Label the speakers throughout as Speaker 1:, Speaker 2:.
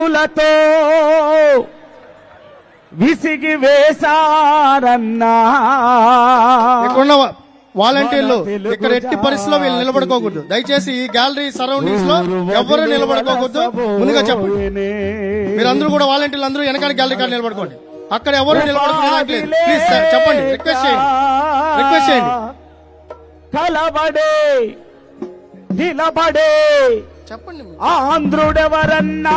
Speaker 1: లతో విసిగి వేశారన్నా.
Speaker 2: ఇక్కడున్న వాలంటీర్లు ఇక్కడ ఎట్టి పరిస్థితిలో వీళ్ళు నిలబడుకోకూడదు. దయచేసి ఈ గ్యాలరీ సరౌండింగ్స్ లో ఎవరు నిలబడుకోకూడదు. ముందుగా చెప్పండి. మీరందరూ కూడా వాలంటీర్లు అందరూ వెనకాల గ్యాలరీ కాడ నిలబడుకోండి. అక్కడ ఎవరు నిలబడుకోవడానికి ప్లీజ్ చెప్పండి. రిక్వెస్ట్ చేయండి.
Speaker 1: కలబడే నిలబడే
Speaker 2: చెప్పండి.
Speaker 1: ఆంధ్రుడెవరన్నా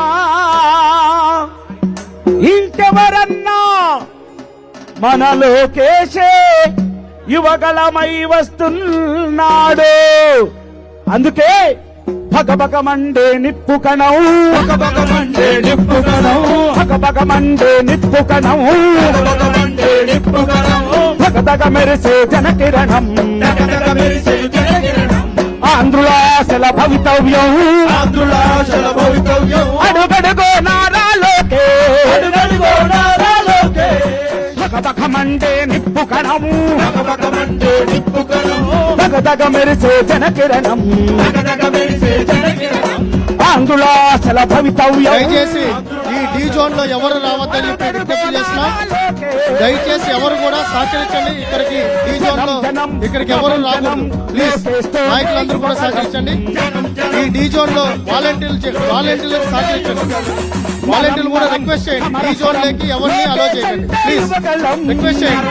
Speaker 1: ఇంకెవరన్నా మన లోకేశే యువగలమై వస్తున్నాడు. అందుకే భగభగమండే నిప్పు కణం, భగభగమండే నిప్పు కణం, భగభగమండే నిప్పు కణం, భగభగమండే నిప్పు కణం, భగదగ మెరిసే జనకిరణం, భగదగ మెరిసే జనకిరణం. ఆంధ్రులాశల భవితవ్యం, ఆంధ్రులాశల భవితవ్యం. అడుగడుగో నారా లోకే, అడుగడుగో నారా లోకే. భగభగమండే నిప్పు కణము, భగభగమండే నిప్పు కణము, భగదగ మెరిసే జనకిరణం, భగదగ మెరిసే జనకిరణం. ఆంధ్రులాశల భవితవ్యం.
Speaker 2: దయచేసి ఈ డీ జోన్ లో ఎవరు రావద్దని చెప్పి విజ్ఞప్తి చేస్తున్నా. దయచేసి ఎవరు కూడా సహకరించండి. ఇక్కడికి డీ జోన్ లో ఇక్కడికి ఎవరు రాకూడదు. ప్లీజ్ నాయకులందరూ కూడా సహకరించండి. ఈ డీ జోన్ లో వాలంటీర్లకు సహకరించండి. వాలంటీర్లు కూడా రిక్వెస్ట్ చేయండి. డీ జోన్ లోకి ఎవరిని అలో చేయండి. ప్లీజ్ రిక్వెస్ట్ చేయండి.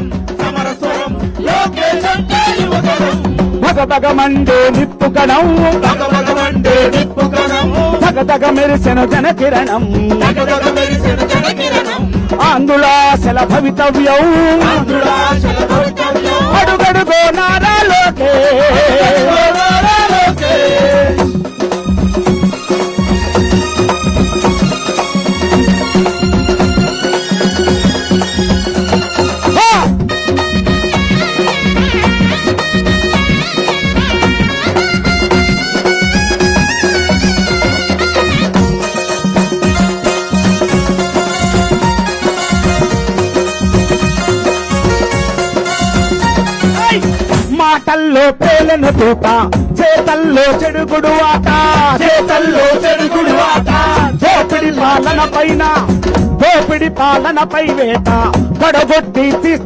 Speaker 1: భగభగమండే నిప్పు కణం, భగభగమండే నిప్పు కణం, భగదగ మెరిసెను జనకిరణం, భగదగ మెరిసెను జనకిరణం. ఆంధ్రులాశల భవితవ్యం, ఆంధ్రులాశల భవితవ్యం. అడుగడుగో నారా లోకే, నారా లోకే. మాటల్లో పేలను తూట, చేతల్లో చెడుగుడు ఆట, చేతల్లో చెడుగుడు ఆట. దోపిడి పాలన పైన, దోపిడి పాలనపై వేట, పడగొట్టి